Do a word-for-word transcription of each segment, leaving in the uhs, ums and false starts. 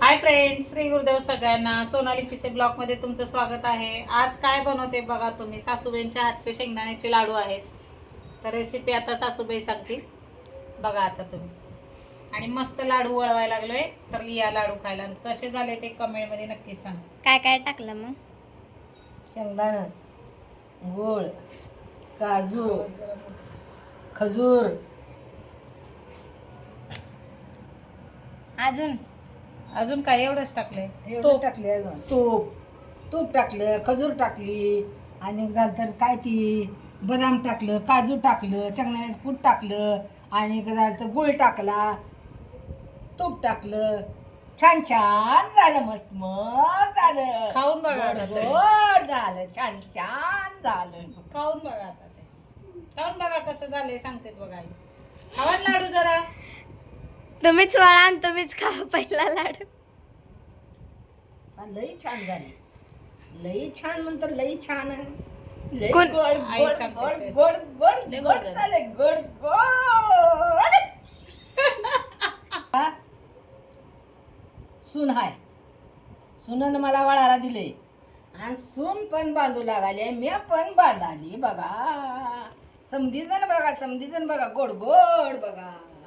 Hi friends, Shri Gurudev सगळ्यांना. सोनाली पिसे blog मध्ये तुमचं स्वागत आहे. आज काय बनवते बघा तुम्ही. सासूबाईंच्या हातचे शेंगदाण्याचे लाडू आहेत. तर रेसिपी आता सासूबाई सांगतील बघा आता तुम्ही. आणि मस्त लाडू वळवायला लागलोय. तर या लाडू खायला कसे झाले ते कमेंट मध्ये नक्की सांग. काय काय टाकलं मग? शेंगदाणा, गूळ, काजू, खजूर, अजून अजून काय एवढंच टाकलंय. तूप टाकले, अजून तूप तूप टाकलं, खजूर टाकली, आणि झालं तर काय ती बदाम टाकलं, काजू टाकलं, शेंगदाण्याचं कूट टाकलं, आणि झालं तर गूळ टाकला, तूप टाकलं. छान छान झालं, मस्त मस्त झालं. खाऊन बघा आता गोड ते. गोड झालं, छान छान झालं. खाऊन बघा आता ते. खाऊन बघा कसं झालंय सांगते बघा आई. खावा ना लाडू जरा. तुम्हीच वळा आणि तुम्हीच खा पहिला लाडू. हा, लई छान झाली, लई छान म्हणतो, लई छान आहे. लई कोण- गोड आई गोड सांगते गोड तेच. गोड गोड लई गोड गोड झालं. झाले, गोड गोड. हा? सून हाय, सुनन मला वळाला दिले, आणि सून पण बांधू लागाले, मी पण बांधाली बघा. समधीजण बघा, समधीजण बघा, गोड गोड बघा.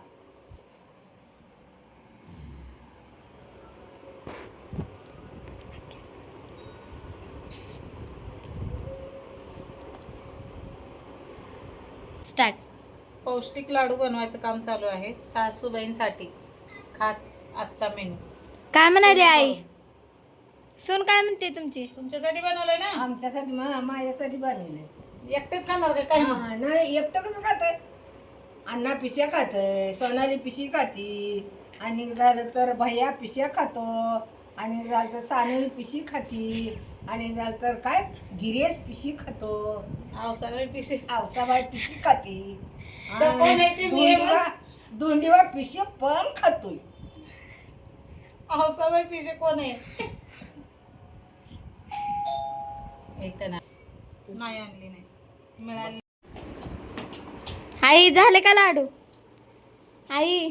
स्टार्ट. पौष्टिक लाडू बनवायचं काम चालू आहे सासूबाईंसाठी. खास आजचा मेनू काय म्हणाली आई? सून काय म्हणते तुमची? तुमच्यासाठी बनवलंय ना. आमच्यासाठी मा- माझ्यासाठी बनवले. एकटेच खाणार का काय? हा, नाही एकटं कसं खातंय. अण्णा पिशा खातंय, सोनाली पिशी खाती, आणि झालं तर भैया पिशा खातो, आणि झालं तर सानवी पिशी खाती, आणि झालं तर काय गिरेश पिशी खातो, अहो सगळे पिशे. आवसाबाई पिशी खाती, तर कोण आहे ते? मी आहे दोंडीबा दोंडीबा पिशी पण खातोय. अहो सगळे पिशे कोण आहे? एक तर नाही नाही आणली, नाही मिळाली. आई झाले का लाडू? आई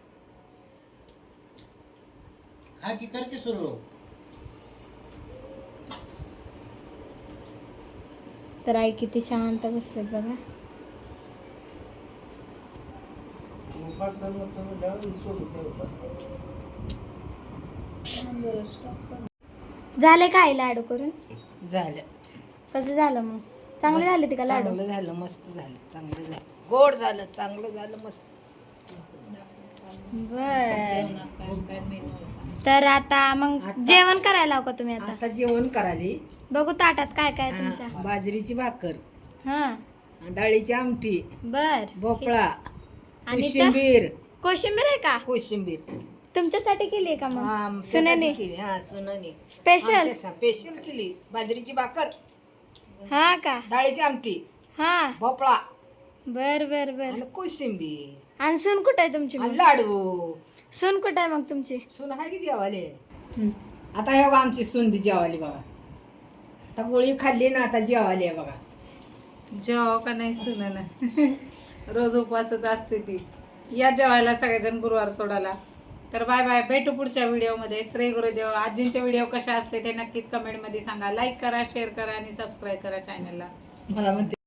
हा की करते सुरू. तर आई किती शांत बसलेत बघा. झाले का आई लाडू करून? झालं, कसं झालं मग? चांगले झाले ते का लाडू? चांगलं झालं, मस्त झालं, चांगलं झालं, गोड झालं, चांगलं झालं, मस्त. बर. काय मेनू आहे सांग. तर आता मग आता- जेवण करायला लावू का तुम्ही आता? आता जेवण कराली. बघू ताटात काय काय हा, तुमच्या. बाजरीची भाकर, हा डाळीची आमटी, बर. भोपळा, आणि त्या- कोशिंबीर, कोशिंबीर आहे का? कोशिंबीर. तुमच्यासाठी केली आहे का हा, मग? आमच्यासाठी सुनेने केली. हा, सुनेने. स्पेशल. आमच्या स्पेशल केली. बाजरीची भाकर, हा का? डाळीची आमटी, हा भोपळा, बर बर बर. आणि कोशिंबीर, आणि सून कुठं आहे तुमची आणि मग? लाडू. सून कुठं आहे मग तुमची? सून आहे की जेवाले. आता हे बघा आमची सून बी जेवाली बघा. आता गोळी खाल्ली ना, आता जेवाली आहे बघा. जेवा का नाही सुना. रोज उपवासच असते ती. या जेवायला सगळेजण गुरुवार सोडायला. तर बाय बाय, भेटू पुढच्या व्हिडिओमध्ये. श्री गुरुदेव. आजींचे व्हिडिओ कशा असते ते नक्कीच कमेंटमध्ये सांगा. लाईक करा, शेअर करा आणि सबस्क्राईब करा चॅनलला. मला म्हणते